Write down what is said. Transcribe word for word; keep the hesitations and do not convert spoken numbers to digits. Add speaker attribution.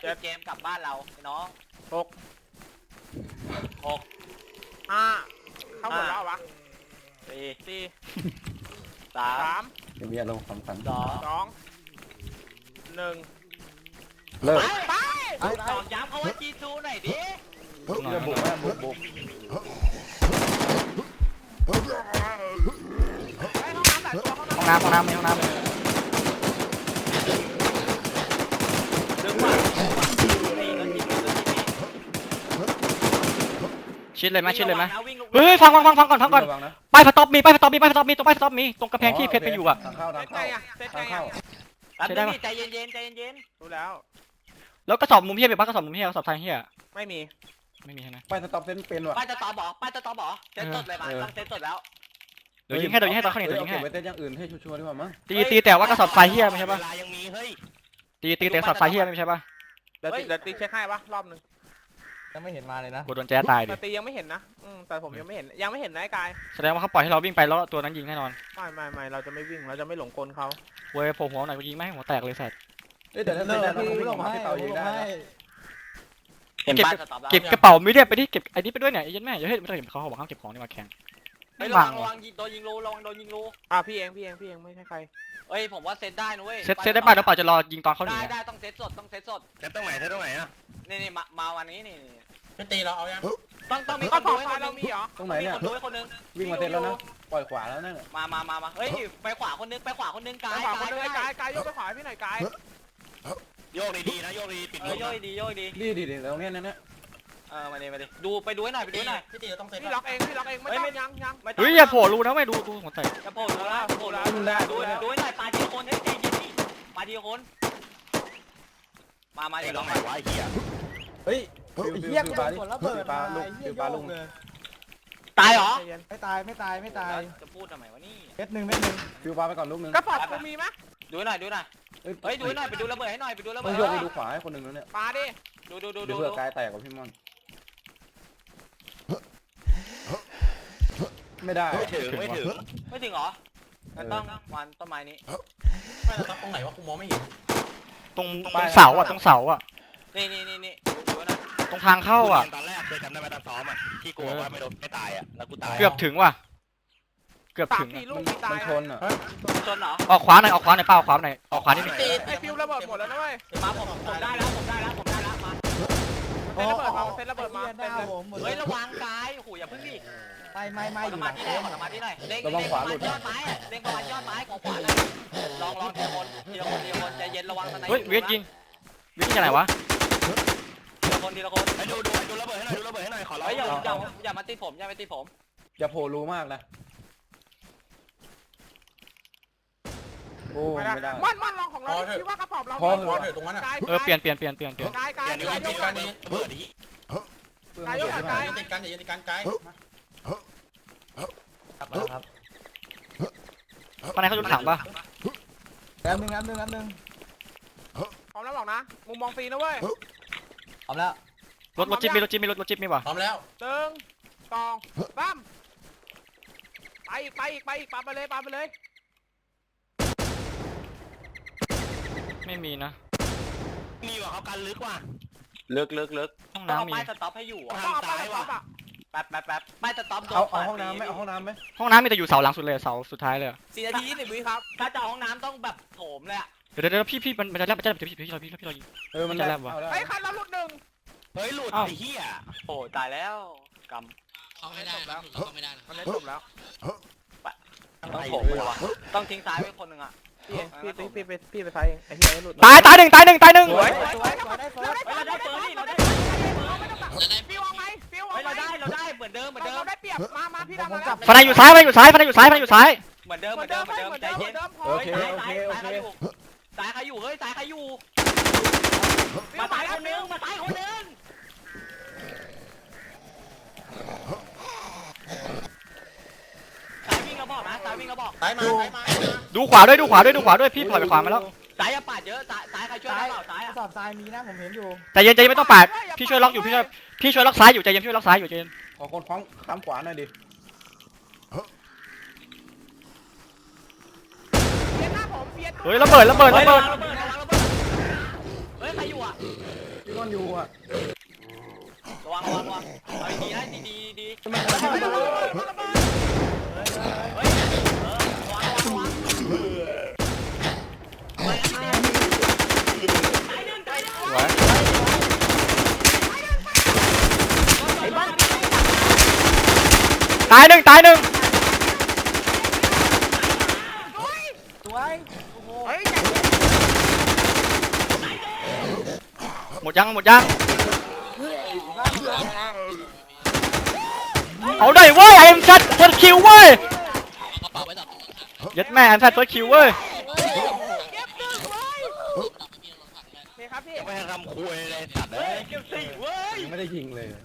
Speaker 1: ปิดเกมกลับบ้านเราไอ้น้องหกหก
Speaker 2: ห้าเข้าหมดแล้ววะ
Speaker 1: สี่
Speaker 2: สี่
Speaker 1: สา
Speaker 2: สาม ม
Speaker 3: เดี๋ยวมีอารมณ์สำคัญ
Speaker 1: สอง
Speaker 2: สองหนึ่ง
Speaker 3: เลิก
Speaker 2: ไป
Speaker 1: ตอกย้ำเขาว่าจีทูหน่อยดิ
Speaker 3: เรื่องบุกแม่บุกบุก
Speaker 2: ไปห้องน้ำแต่ตัวห้องน้ำ
Speaker 4: ห้องน้ำห้องน้ำห้องน้ำ
Speaker 1: ดึงมานี่ก็ยิงเลย
Speaker 4: ชิดเลยไหมชิดเลยไหม
Speaker 1: วิ่งลง
Speaker 4: เฮ้ยฟังฟังฟังฟังก่อนฟังก่อน
Speaker 3: ระวังนะ
Speaker 4: ป้ายสต็อปมีป้ายสต็อปมีป้ายสต็อปมีตรงป้ายสต็อปมีตรงกระแพงที่เพชรไปอยู่อ่ะ
Speaker 3: ทางเข้า
Speaker 2: เซ
Speaker 3: ทาง
Speaker 2: ตไง
Speaker 3: เข้า
Speaker 2: อะเซตไง
Speaker 3: ทางเข้า
Speaker 2: อะ
Speaker 1: แป๊บนึงใจเย็นๆใจเย็น
Speaker 2: รู้แล้ว
Speaker 4: แล้วกระสอบมุมเฮียเป็นป้ากระสอบมุมเฮียกระสอบทางเฮีย
Speaker 2: ไม่มี
Speaker 4: ไม่มีใช่ไหม
Speaker 3: ไปสต็อปเซนเป็นว่ะ
Speaker 1: ๆป้ายจะตอบบอกป้ายจะตอบบอกเซตสดเลยมาต้องเซตสดแล้ว
Speaker 4: เดี๋ยวยิงให้เดี๋ยวยิงให้ตอนเขาหนี
Speaker 3: เฮ้
Speaker 4: เดี๋
Speaker 3: ย
Speaker 4: ยว
Speaker 3: เอา
Speaker 4: ยิง
Speaker 3: เก็บ
Speaker 4: ให้
Speaker 3: ไว้เต้นอย่างอื่นให้ชัวร์ๆดีกว่ามั้ง
Speaker 4: ตีตีแต่ว่ากระสอบไฟเฮียไม่ใช่ปะ
Speaker 1: เวลายังมีเฮ้ย
Speaker 4: ตีตีแต่กระสอบไฟเฮียไม่ใช่ปะ
Speaker 2: เดี๋ยวตีเดี๋ยวตีเช็คให้ปะรอบหนึ่ง
Speaker 5: ยังไม่เห็นมาเลยนะ
Speaker 4: กดโดนแจ๊ตายดิ
Speaker 2: แต่ตียังไม่เห็นนะอืมแต่ผมยังไม่เห็นยังไม่เห็นนะไอ้กาย
Speaker 4: แสดงว่าเขาปล่อยให้เราวิ่งไปแล้วตัวนั้นยิงแน่นอน
Speaker 2: ไม่ไม่ไม่เราจะไม่วิ่งเราจะไม่หลงกลเขา
Speaker 4: เว้ยโผล่หัวหน่อยกูยิงไม่ให้หัวแตกเลยสัตว์
Speaker 3: เอ้ยแต่ถ้า
Speaker 5: เลิ
Speaker 3: เต้น
Speaker 5: ก
Speaker 3: ได้เรา
Speaker 5: พี่
Speaker 3: วิ่ง
Speaker 5: ล
Speaker 3: อง อกมา
Speaker 5: ให้
Speaker 3: ให้เต่ายิง
Speaker 5: ลง
Speaker 3: ได้
Speaker 5: ให้
Speaker 3: นะ
Speaker 1: เห็นป้ายจะตอบแล้ว
Speaker 4: เก็บกระเป๋าไม่ได้ไปดิเก็บไอ้นี่ไปด้วยเนี่ยไอ้ยันแม่อย่าให้ไม่ต้องเห็นเขาบอกห้ามเก็บของนี่มาแข่ง
Speaker 1: เฮ้
Speaker 4: ไม่
Speaker 1: ยระ
Speaker 4: บั
Speaker 1: วั
Speaker 4: ง
Speaker 1: งระวังโดนยิงรูระวังโดนยิงรู
Speaker 2: อ่ะพี่เองพี่เองพี่เองไม่ใช่ใคร
Speaker 1: เฮ้ยผมว่าเซตได้นะเว้ย
Speaker 4: เซตเซตได้ป่ะเดี๋ยวเปล่าจะรอยิงตอนเขาหนี
Speaker 1: ได้
Speaker 4: อะ
Speaker 1: ได้ต้องเซตสดต้องเซตสด
Speaker 6: เซตตรงไหนเซตตรงไหนอ่ะ
Speaker 1: นี่นี่มามาวันนี้นี่
Speaker 5: พี่ตีเราเอายัง
Speaker 1: ต้องต้องมีค
Speaker 2: ก็
Speaker 1: น
Speaker 2: ข
Speaker 1: ดู
Speaker 2: อบ
Speaker 1: ให้
Speaker 2: ไฟ
Speaker 1: คนนึ
Speaker 2: เรา
Speaker 1: ง
Speaker 2: มีเหรอ
Speaker 3: ตรงไหน
Speaker 1: มี
Speaker 3: เนี่ย
Speaker 1: คนดูให้คนนึง
Speaker 3: วิ่งมาเต้นแล้วนะปล่อยขวาแล้วนั่นน่ะ
Speaker 1: มามามามาเฮ้ยไปขวาคนนึงไปขวาคนนึงกา
Speaker 2: ไป
Speaker 1: ย
Speaker 2: ขวาคน
Speaker 1: กาย
Speaker 2: นึงไอ้กายกายยกไปขวาให้พี่หน่อยกาย
Speaker 6: โยกดีๆนะโยกดีปิด
Speaker 1: เอ
Speaker 6: ล
Speaker 1: อ
Speaker 6: ม
Speaker 1: โย่อยดีโย่อยดี
Speaker 3: ดีดีดีตรงเนี้ยนั่นน่ะ
Speaker 1: เออมาดิมาดิดูไปดูให้หน่อยไปดูให้หน่อย
Speaker 5: พี่ตีเราต้องเซต
Speaker 2: พี่ล็อกเองพี่ล็อกเองไม่ต้องยังยัง
Speaker 1: ไม่ต้ง
Speaker 4: เฮ้ยอย่าโผล่รูนะไม่ดูดูหัวแตก
Speaker 1: จะโผล่ดูแล้วจะโผล่แล้ว
Speaker 3: ขึ้นได้
Speaker 1: ดู
Speaker 3: ด้วยนะ
Speaker 1: ดูให้หน่อยปลาทีละคนเฮ้ยใจเย็นดิปลาทีละคนมามา
Speaker 6: ไอ้
Speaker 1: เดี๋ยว
Speaker 6: ล
Speaker 1: ล
Speaker 6: อ
Speaker 1: อง ง
Speaker 6: ไหนวะไอ้เหี้ย
Speaker 5: เฮ้ย
Speaker 3: ฟิว
Speaker 5: ไอ้
Speaker 3: ฟิว
Speaker 5: เหี้ย
Speaker 3: ฟิ
Speaker 5: กู
Speaker 3: ว
Speaker 5: โด
Speaker 3: ปลาน
Speaker 5: ฝนระเบิด
Speaker 3: ปลา
Speaker 5: มา
Speaker 3: ลูก
Speaker 5: ไอ้เหี้
Speaker 3: ฟิ
Speaker 5: ยว
Speaker 3: ปลา
Speaker 5: โย
Speaker 3: ลู
Speaker 5: ก
Speaker 3: ก
Speaker 5: เลย
Speaker 1: ตายเหรอ
Speaker 2: ใจเย็น
Speaker 5: ไม่ตายไม่ตายไม่ตาย
Speaker 1: จะพูดทำไมวะนี่
Speaker 5: เม็ดหนึ่งเม็ดหนึ่ง
Speaker 3: ฟิวปลาไปก่อนลูกนึง
Speaker 2: กระป๋องกูมีไหม
Speaker 1: ดูให้หน่อยดูหน่อยเฮ้ยดูให้หน่อยไปดูระเบิดให้หน่อยไปดูระเบิ
Speaker 3: ต้อ
Speaker 1: ด
Speaker 3: งโยกไปดูขวาให้คนหนึ่งแล้วเนี่ย
Speaker 2: ปลาดิ
Speaker 1: ดูดูดู
Speaker 3: เดี๋
Speaker 1: ดู
Speaker 3: ยวเผื่อกายแตกกับพี่ม่อนไม่ได้
Speaker 6: ไม่ถึงไม่ถึง
Speaker 1: ไม่ถึงเหรองั้นต้องวันต้นไม้นี้
Speaker 5: ไม่แต่ตรงไหนวะกูมองไม่เห็น
Speaker 4: ตรงตรงเสาอ่ะตรงเสาอ่ะ
Speaker 1: นี่นี่นี่นี่ดูนะ
Speaker 4: ตรงทางเข้าอ่ะ
Speaker 6: ตอนแรกเคยจำได้ไหมตอนซ้อมอ่ะที่กลัวว่าไม่โดนไม่ตายอ่ะแล้วกูตาย
Speaker 4: เกือบถึงว่ะเกือบ
Speaker 2: สา
Speaker 4: ถึ
Speaker 2: ม
Speaker 4: ง
Speaker 2: สี่
Speaker 4: อะ
Speaker 2: ลู
Speaker 3: มั
Speaker 2: ก
Speaker 3: น
Speaker 2: มีตา
Speaker 3: มั
Speaker 2: ย
Speaker 3: นชนอ่ะ
Speaker 1: ชนเหรอ
Speaker 4: ออกขวาหน่อยออกขวาหน่อยเป้าออกขวาหน่อยออกขวานิดนึง
Speaker 2: ตีไอ้ฟิวระเบิดหมดแล้วนะเว้ย
Speaker 1: มาผมผมได้แล้วผมได้แล้วผมได้แล้วมา
Speaker 2: เซ็นระเบิดมาเซ็นระเบิดมา
Speaker 5: ไอ้
Speaker 2: เซ็น
Speaker 5: เหี้ยห
Speaker 2: เล
Speaker 5: น้าย ผมหมดเล
Speaker 1: เฮ้ย
Speaker 5: ย
Speaker 1: ระวังกายโอ้โหอย่าพึ่งดิ
Speaker 5: ไม่ไม่ไม่
Speaker 1: ขอ
Speaker 5: อ
Speaker 1: ส
Speaker 5: ยู่ห
Speaker 1: มา
Speaker 5: ลัง
Speaker 1: ธิห
Speaker 5: เต็
Speaker 1: น่อย
Speaker 5: ม
Speaker 1: ขอสมาธิหน่อยเล็งเล็งประมาณยอดไม้อะเล็งประมาณยอดไม้ของขวาเลยลองลองทีละคนทีละคนทีละคนใจเย็นระวังทนาย
Speaker 4: เฮ้ยเวียดยิงเวียดยิงจากไหนวะ
Speaker 1: ทีละคนทีละคน
Speaker 6: ไอ้ดูดูดูระเบิดให้หน่อยดูระเบิดให้หน่อยขอร้อง
Speaker 1: เฮ้ยอย่าอย่าอย่ามาตีผมอย่ามาตีผม
Speaker 3: จะโผล่รูมากนะโอ้
Speaker 2: ไม่
Speaker 3: ไม่
Speaker 2: ได้
Speaker 3: ได้
Speaker 2: มันมันลองของเราคิดว่ากระป๋องเรา
Speaker 3: พอเถ
Speaker 5: พอ
Speaker 3: อะ
Speaker 5: เถอะตรงนั้นอ่ะ
Speaker 2: กาย
Speaker 4: เออเปลี่ยนเปลี่ยนเปลี่ยนเปลี่ยนเปลี่ยน
Speaker 2: กายกาย
Speaker 6: อย่าดู
Speaker 2: กาย
Speaker 6: ไอ้
Speaker 2: ย
Speaker 6: ติ
Speaker 2: ก
Speaker 6: ด
Speaker 2: กั
Speaker 6: กัน นนี้ระเบิดดิ
Speaker 3: เปลืองเยอะ
Speaker 2: กายก
Speaker 3: ใช่ไหม
Speaker 5: อย่าติดกันอย่าติดกันไกลครับมาครับ
Speaker 4: ข้างในเขาจุดถังปะ
Speaker 5: แป๊บนึงแป๊บนึงแป๊บนึง
Speaker 2: พร้อมแล้วบอกนะมุมมองฟรีนะเว้ย
Speaker 5: พร้อมแล้ว
Speaker 4: รถรถจิ๊บมีรถจิ๊บมีรถรถจิ๊บมีป่ะ
Speaker 5: พร้อมแล้ว
Speaker 2: หนึ่งสองสามไปอีกไปอีกไปอีกปาไปเลยปาไปเลย
Speaker 4: ไม่มีนะ
Speaker 6: มีว่ะเขากันลึกว่ะ
Speaker 1: เลิกเลิกเลิก
Speaker 4: ห้อง
Speaker 1: ต้องเอา
Speaker 4: น้ำมี
Speaker 1: ป้ายสต็อปให้อยู่
Speaker 2: ต้องเอาไปแล้วปั๊บอ่ะ
Speaker 1: แป๊บแป๊บแป๊บป้ายสต็อปโดน
Speaker 3: เอาเอาห้องน้ำไหมเอาห้องน้ำไหม
Speaker 4: ห้องน้ำมีแต่อยู่เสาหลังสุดเลยเสาสุดท้ายเลยอะ
Speaker 1: สี่นาทียี่สิบวิครับถ้าจะเอาห้องน้ำต้องแบบโถมเลยอะ
Speaker 4: เดี๋ยวเดี๋ยวพี่พี่มันมันจะแลบมันจะแลบเดี๋ยวพี่พี่เราพี่พี่เรายิง
Speaker 3: เออมัน
Speaker 4: จะ
Speaker 3: ได้
Speaker 4: แลบวะ
Speaker 3: เอาได้
Speaker 2: ไอ้คันเราหลุดหนึ่ง
Speaker 6: เฮ้ยหลุด
Speaker 4: อ้าว
Speaker 6: ไอ้เหี้ย
Speaker 1: โอ้ตายแล้วก
Speaker 7: เข้าไม่ได้นะเราเข้าไม่ได้นะ
Speaker 2: มันได้จบแล้ว
Speaker 1: ำต้องโถมเลยวะต้องทิ้งซ้ายไว้คนหนึ่งอะ
Speaker 2: พี่พี่พี่พี่ไปพี่ไปใช้ไอ้เหี้ยหลุด
Speaker 4: ตายตายหนึ่งตายหนึ่งตายหนึ่ง
Speaker 2: สวย
Speaker 5: สวยสวยได้เฟิร์ส
Speaker 1: เฮ้ยเราได้เปิดนี่เราได้
Speaker 7: จะได้
Speaker 2: ฟิวเอาไหมฟิวเอา
Speaker 1: เฮ้ย
Speaker 2: ไหม
Speaker 1: เราได้เราได้เหมือนเดิมเหมือนเดิม
Speaker 2: เราได้เปรียบมามาพี่ดำมาแล้ว
Speaker 4: ฟันในอยู่ซ้ายฟันในอยู่ซ้ายฟันในอยู่ซ้ายฟันในอยู่ซ้าย
Speaker 1: เหมือนเดิม
Speaker 2: เห
Speaker 1: เห
Speaker 2: มื
Speaker 1: มื
Speaker 2: อ
Speaker 1: อน น
Speaker 2: เดิ
Speaker 1: เดิ
Speaker 2: ม
Speaker 1: ม
Speaker 2: เห
Speaker 1: เห
Speaker 2: มื
Speaker 1: มื
Speaker 2: อ
Speaker 1: อน น
Speaker 2: เดิ
Speaker 1: เดิ
Speaker 2: ม
Speaker 1: ม
Speaker 2: เหมือนเดิมพอ
Speaker 3: โอเคโอเคโอเค
Speaker 1: ซ้ายใครอยู่เฮ้ยซ้ายใครอยู่
Speaker 2: ฟิ
Speaker 1: มาว
Speaker 2: มา
Speaker 1: ซ้าย
Speaker 2: แล้
Speaker 1: คว นนึงมาซ้ายคนนึงซ้ายวิ่งเราบอกนะซ้ายวิ่งเราบอก
Speaker 5: ซ้ายมาซ้ายมา
Speaker 4: ดูขวาด้วยดูขวาด้วยดูขวาด้วยพี่ปล่อยไปขวามาแล้ว
Speaker 1: ซ้ายอย่าปาดเยอะซ้ายซ้ายใครช่วยได้เปล่าซ้าย
Speaker 5: ก
Speaker 1: อะ
Speaker 5: ระสอบทรายมีนะผมเห็นอยู่
Speaker 4: ใจเย็นใจเย็นไม่ต้องปาดพี่ช่วยล็อกอยู่พี่ช่วยพี่ช่วยล็อกซ้ายอยู่ใจเย็นช่วยล็อกซ้ายอยู่ใจเย็น
Speaker 3: ขอคนคว้างข้ามขวาหน่อยดิ
Speaker 2: เฟียนหน้าผมเฟียน
Speaker 4: เฮ้ยระเบิดระเบิด
Speaker 1: เฮ้
Speaker 4: ระ
Speaker 1: ย
Speaker 4: เบิด
Speaker 1: ระเบิดระเบิดเฮ้ยใครอยู่อ่ะ
Speaker 3: ซ่อนอยู่อ่ะ
Speaker 1: ระวังระวังระวังเอาดีๆนะดีดีดี
Speaker 3: ทำไม
Speaker 1: เฮ้ยเออระวังระวังไปอันนี้ตายหนึ่งตายหนึ่ง
Speaker 4: สวย ตายหนึ่งตายหนึ่ง
Speaker 5: สวย
Speaker 2: เฮ้ย
Speaker 4: หมดยังหมดยังเอาได้เว้ยไอ้เอ็มชัดเฟิร์สคิวเว้ย
Speaker 7: เอากระเป๋าไว้ดับ
Speaker 4: ยัดแม่ไอ้แพทเฟิร์สคิวเว้ย
Speaker 2: เก็บหนึ่งไว้
Speaker 7: ดับไม่มีรถถังแม่
Speaker 2: โอเคครับพี่
Speaker 6: ไม่ให้ทำคุยเลยสัตว์เลย
Speaker 1: เก็บสี่เว้ย
Speaker 3: ยังไม่ได้ยิงเลย